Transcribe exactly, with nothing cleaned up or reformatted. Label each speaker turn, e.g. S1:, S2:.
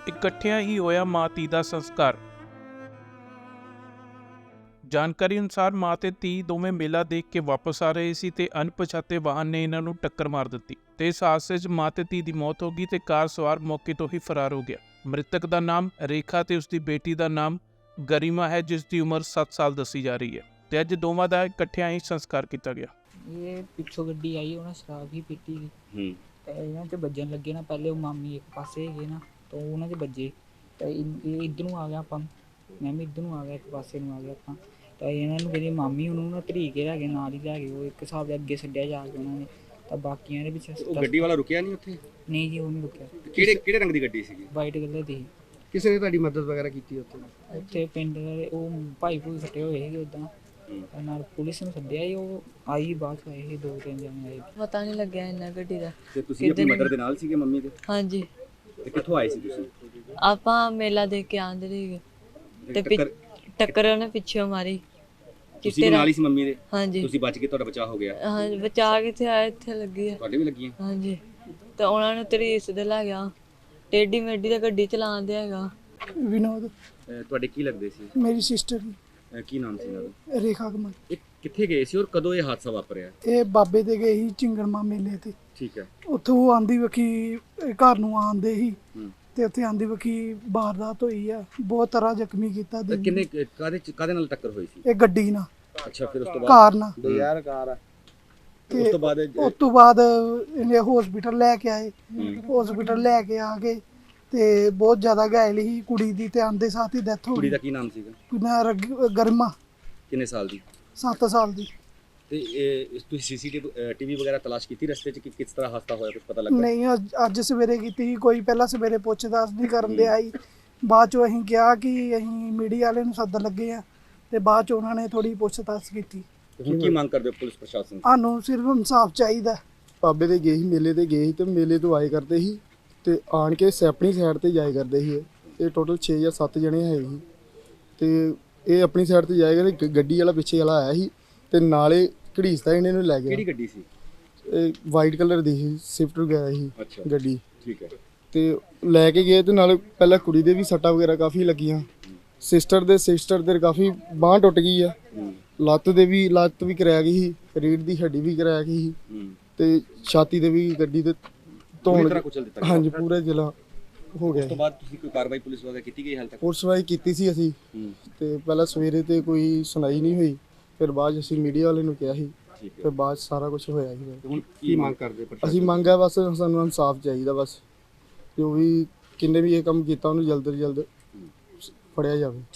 S1: ਇਕੱਠਿਆਂ ਹੀ ਹੋਇਆ ਮਾਂ ਧੀ ਦਾ ਸੰਸਕਾਰ। ਜਾਣਕਾਰੀ ਅਨੁਸਾਰ ਮਾਂ ਤੇ ਧੀ ਦੋਵੇਂ ਮੇਲਾ ਦੇਖ ਕੇ ਵਾਪਸ ਆ ਰਹੇ ਸੀ ਤੇ ਅਣਪਛਾਤੇ ਵਾਹਨ ਨੇ ਇਹਨਾਂ ਨੂੰ ਟੱਕਰ ਮਾਰ ਦਿੱਤੀ ਤੇ ਇਸ ਹਾਦਸੇ 'ਚ ਮਾਂ ਤੇ ਧੀ ਦੀ ਮੌਤ ਹੋ ਗਈ ਤੇ ਕਾਰ ਸਵਾਰ ਮੌਕੇ ਤੋਂ ਹੀ ਫਰਾਰ ਹੋ ਗਿਆ। ਮ੍ਰਿਤਕ ਦਾ ਨਾਮ ਰੇਖਾ ਤੇ ਉਸਦੀ ਬੇਟੀ ਦਾ ਨਾਮ ਗਰਿਮਾ ਹੈ, ਜਿਸ ਦੀ ਉਮਰ ਸੱਤ ਸਾਲ ਦੱਸੀ ਜਾ ਰਹੀ ਹੈ ਤੇ ਅੱਜ ਦੋਵਾਂ ਦਾ ਇਕੱਠਿਆਂ ਹੀ ਸੰਸਕਾਰ ਕੀਤਾ ਗਿਆ।
S2: ਇਹ ਪਿੱਛੋਂ ਗੱਡੀ ਆਈ, ਉਹਨਾਂ ਸ਼ਰਾਬ ਹੀ ਪੀਤੀ ਸੀ ਤੇ ਇਹਨਾਂ 'ਚ ਵੱਜਣ ਲੱਗੇ ਨਾ। ਪਹਿਲੇ ਉਹ ਮਾਮੀ ਇੱਕ ਪਾਸੇ ਹੈਗੇ ਨਾ ਤਾਂ ਉਹਨਾਂ 'ਚ ਵੱਜੇ ਤੇ ਇਹ ਇੱਧਰ ਨੂੰ ਆ ਗਿਆ, ਆਪਾਂ ਮੈਂ ਵੀ ਇੱਧਰ ਨੂੰ ਆ ਗਿਆ, ਇੱਕ ਪਾਸੇ ਨੂੰ ਆ ਗਿਆ ਆਪਾਂ। ਤਾਂ ਇਹਨਾਂ ਨੂੰ ਜਿਹੜੀ ਮਾਮੀ ਉਹਨੂੰ ਨਾ ਧਰੀ ਕੇ ਲੈ ਗਏ, ਨਾਲ ਹੀ ਲੈ ਗਏ। ਉਹ ਇੱਕ ਹਿਸਾਬ ਦੇ ਅੱਗੇ ਛੱਡਿਆ ਜਾ ਕੇ ਉਹਨਾਂ ਨੇ, ਤਾਂ ਬਾਕੀਆਂ ਦੇ ਪਿੱਛੇ।
S3: ਉਹ ਗੱਡੀ ਵਾਲਾ ਰੁਕਿਆ ਨਹੀਂ ਉੱਥੇ?
S2: ਨਹੀਂ ਜੀ, ਉਹ ਨਹੀਂ ਰੁਕਿਆ।
S3: ਕਿਹੜੇ ਕਿਹੜੇ ਰੰਗ ਦੀ ਗੱਡੀ ਸੀਗੀ?
S2: ਵਾਈਟ ਕਲਰ ਦੀ।
S4: ਕਿਸੇ ਨੇ ਤੁਹਾਡੀ ਮਦਦ ਵਗੈਰਾ ਕੀਤੀ ਉੱਥੇ?
S2: ਉੱਥੇ ਪਿੰਡ ਦੇ ਉਹ ਭਾਈ ਭੂਈ ਫੱਟੇ ਹੋਏ ਸੀਗੇ ਉੱਦਾਂ, ਨਾਲ ਪੁਲਿਸ ਨੂੰ ਸੱਦਿਆ ਸੀ। ਉਹ ਆਈ ਬਾਅਦ 'ਚ ਆਏ ਸੀ, ਦੋ ਤਿੰਨ ਜਣੇ ਆਏ।
S5: ਪਤਾ ਨਹੀਂ ਲੱਗਿਆ ਇੰਨਾ ਗੱਡੀ ਦਾ।
S3: ਤੇ ਤੁਸੀਂ ਆਪਣੀ ਮਦਰ ਦੇ ਨਾਲ ਸੀਗੇ, ਮੰਮੀ ਦੇ?
S5: ਹਾਂਜੀ।
S3: ਤੇ ਕਿੱਥੋਂ ਆਏ ਸੀ ਤੁਸੀਂ?
S5: ਆਪਾਂ ਮੇਲਾ ਦੇਖ ਕੇ ਆਂਦੇ ਸੀਗੇ ਤੇ
S3: ਟੱਕਰ
S5: ਟੱਕਰ ਉਹਨੇ ਪਿੱਛੋਂ ਮਾਰੀ।
S3: ਤੁਸੀਂ ਨਾਲ ਹੀ ਸੀ ਮੰਮੀ ਦੇ?
S5: ਹਾਂਜੀ।
S3: ਤੁਸੀਂ ਬਚ ਕੇ, ਤੁਹਾਡਾ ਬਚਾਅ ਹੋ ਗਿਆ?
S5: ਹਾਂ, ਬਚਾ ਕਿੱਥੇ ਆਇਆ, ਇੱਥੇ ਲੱਗੀ ਆ।
S3: ਤੁਹਾਡੇ ਵੀ ਲੱਗੀਆਂ?
S5: ਹਾਂਜੀ। ਤੇ ਉਹਨਾਂ ਨੂੰ ਤਰੀਸ ਦੇ ਲੈ ਗਿਆ, ਟੇਢੀ ਮੇਢੀ ਦਾ ਗੱਡੀ ਚਲਾਉਂਦੇ ਹੈਗਾ।
S4: ਵਿਨੋਦ
S3: ਤੁਹਾਡੇ ਕੀ ਲੱਗਦੇ ਸੀ?
S4: ਮੇਰੀ ਸਿਸਟਰ
S3: ਕੀ ਨਾਮ ਸੀ ਇਹਨਾਂ ਦਾ?
S4: ਰੇਖਾ ਕਮਲ।
S3: ਇਹ ਕਿੱਥੇ ਗਏ ਸੀ ਔਰ ਕਦੋਂ ਇਹ ਹਾਦਸਾ ਵਾਪਰਿਆ?
S4: ਇਹ ਬਾਬੇ ਦੇ ਗਏ ਸੀ ਚਿੰਗੜਮਾ ਮੇਲੇ ਤੇ।
S3: ਠੀਕ ਹੈ।
S4: ਉੱਥੋਂ ਉਹ ਆਂਦੀ ਵਕੀ ਘਰ ਨੂੰ ਆਂਦੇ ਸੀ
S3: ਹੂੰ।
S4: ਤੇ ਉੱਥੇ ਆਂਦੀ ਵਕੀ ਵਾਰਦਾਤ ਹੋਈ ਆ, ਬਹੁਤ ਤਰ੍ਹਾਂ ਜ਼ਖਮੀ ਕੀਤਾ।
S3: ਤੇ ਕਿੰਨੇ ਕਾਦੇ ਕਾਦੇ ਨਾਲ ਟੱਕਰ ਹੋਈ ਸੀ?
S4: ਇਹ ਗੱਡੀ ਨਾਲ।
S3: ਅੱਛਾ, ਫਿਰ ਉਸ ਤੋਂ ਬਾਅਦ?
S4: ਕਾਰ ਨਾਲ।
S3: ਦੋ ਹਜ਼ਾਰ ਕਾਰ ਆ।
S4: ਤੇ
S3: ਉਸ ਤੋਂ ਬਾਅਦ
S4: ਉਸ ਤੋਂ ਬਾਅਦ ਇਹਨੇ ਹਸਪੀਟਲ ਲੈ ਕੇ ਆਏ। ਹਸਪੀਟਲ ਲੈ ਕੇ ਆ ਕੇ ਤੇ ਬਹੁਤ ਜ਼ਿਆਦਾ ਘਾਇਲ ਸੀ ਕੁੜੀ ਦੀ, ਤੇ ਆਂਦੇ ਸਾਥ ਹੀ ਡੈਥ ਹੋ
S3: ਕੁੜੀ
S4: ਗਈ।
S3: ਦਾ ਕੀ ਨਾਮ ਸੀਗਾ?
S4: ਕੁੜੀ ਗਰਮਾ।
S3: ਕਿੰਨੇ ਸਾਲ ਦੀ?
S4: ਸੱਤ ਸਾਲ ਦੀ।
S3: ਤੇ ਇਹ ਤੁਸੀਂ ਸੀਸੀਟੀਵੀ ਟੀਵੀ ਵਗੈਰਾ ਤਲਾਸ਼ ਕੀਤੀ ਰਸਤੇ 'ਚ ਕਿ ਕਿਸ ਤਰ੍ਹਾਂ ਹਾਦਸਾ ਹੋਇਆ, ਕੁਝ ਪਤਾ ਲੱਗਾ?
S4: ਨਹੀਂ, ਅੱਜ- ਅੱਜ ਸਵੇਰੇ ਕੀਤੀ ਸੀ ਕੋਈ। ਪਹਿਲਾਂ ਸਵੇਰੇ ਪੁੱਛ-ਦੱਸ ਨਹੀਂ ਕਰਨ ਦੇ ਆਈ। ਬਾਅਦ ਚੋਂ ਅਸੀਂ ਕਿਹਾ ਕਿ ਅਸੀਂ ਮੀਡੀਆ ਵਾਲੇ ਨੂੰ ਸੱਦਣ ਲੱਗੇ ਆ, ਤੇ ਬਾਅਦ ਚ ਉਹਨਾਂ ਨੇ ਥੋੜੀ ਪੁੱਛ-ਦੱਸ ਕੀਤੀ।
S3: ਹੁਣ ਕੀ ਮੰਗ ਕਰਦੇ ਹੋ ਪੁਲਿਸ ਪ੍ਰਸ਼ਾਸਨ ਤੋਂ?
S4: ਸਾਨੂੰ ਸਿਰਫ ਇਨਸਾਫ ਚਾਹੀਦਾ।
S6: ਬਾਬੇ ਦੇ ਗਏ ਸੀ, ਮੇਲੇ ਤੇ ਗਏ ਸੀ ਤੇ ਮੇਲੇ ਤੋਂ ਆਏ ਕਰਦੇ ਸੀ ਤੇ ਆਣ ਕੇ ਆਪਣੀ ਸਾਈਡ ਤੇ ਜਾਏ ਕਰਦੇ ਸੀ। ਇਹ ਇਹ ਟੋਟਲ ਛੇ ਜਾਂ ਸੱਤ ਜਣੇ ਹੈ ਸੀ ਤੇ ਇਹ ਆਪਣੀ ਸਾਈਡ ਤੇ ਜਾਏ ਕਰਦੇ। ਗੱਡੀ ਵਾਲਾ ਪਿੱਛੇ ਵਾਲਾ ਆਇਆ ਸੀ ਤੇ ਨਾਲੇ ਘੜੀਸਦਾ ਇਹਨਾਂ ਨੂੰ ਲੈ ਗਿਆ।
S3: ਕਿਹੜੀ ਗੱਡੀ ਸੀ?
S6: ਇਹ ਵਾਈਟ ਕਲਰ ਦੀ ਸੀ, ਸਵਿਫਟ ਵਗੈਰਾ ਸੀ ਗੱਡੀ।
S3: ਠੀਕ ਹੈ।
S6: ਤੇ ਲੈ ਕੇ ਗਏ ਤੇ ਨਾਲੇ ਪਹਿਲਾਂ ਕੁੜੀ ਦੇ ਵੀ ਸੱਟਾਂ ਵਗੈਰਾ ਕਾਫੀ ਲੱਗੀਆਂ। ਸਿਸਟਰ ਦੇ ਸਿਸਟਰ ਦੇ ਕਾਫੀ ਬਾਂਹ ਟੁੱਟ ਗਈ ਆ, ਲੱਤ ਦੇ ਵੀ ਲੱਤ ਵੀ ਕਰਾਇਆ ਗਈ ਸੀ, ਰੀੜ ਦੀ ਹੱਡੀ ਵੀ ਕਰਾਇਆ ਗਈ ਸੀ ਤੇ ਛਾਤੀ ਦੇ ਵੀ ਗੱਡੀ ਦੇ ਧੌਣ। ਹਾਂਜੀ, ਪੂਰਾ ਜ਼ਿਲ੍ਹਾ ਹੋ ਗਿਆ।
S3: ਉਸ ਤੋਂ ਬਾਅਦ ਤੁਸੀਂ ਕੋਈ ਕਾਰਵਾਈ ਪੁਲਿਸ ਵਗੈਰਾ ਕੀਤੀ ਗਈ ਹਾਲ ਤੱਕ?
S6: ਪੁਲਿਸ ਵਾਈ ਕੀਤੀ ਸੀ ਅਸੀਂ ਤੇ ਪਹਿਲਾਂ ਸਵੇਰੇ ਤੇ ਕੋਈ ਸੁਣਾਈ ਨਹੀਂ ਹੋਈ, ਫਿਰ ਬਾਅਦ ਅਸੀਂ ਮੀਡੀਆ ਵਾਲੇ ਨੂੰ ਕਿਹਾ ਸੀ, ਫਿਰ ਬਾਅਦ ਸਾਰਾ ਕੁਝ ਹੋਇਆ ਸੀ।
S3: ਹੁਣ ਕੀ ਮੰਗ ਕਰਦੇ?
S6: ਅਸੀਂ ਮੰਗ ਹੈ ਬਸ ਸਾਨੂੰ ਇਨਸਾਫ ਚਾਹੀਦਾ, ਬਸ ਜੋ ਵੀ ਕਿੰਨੇ ਵੀ ਇਹ ਕੰਮ ਕੀਤਾ ਉਹਨੂੰ ਜਲਦ ਤੋਂ ਜਲਦ ਫੜਿਆ ਜਾਵੇ।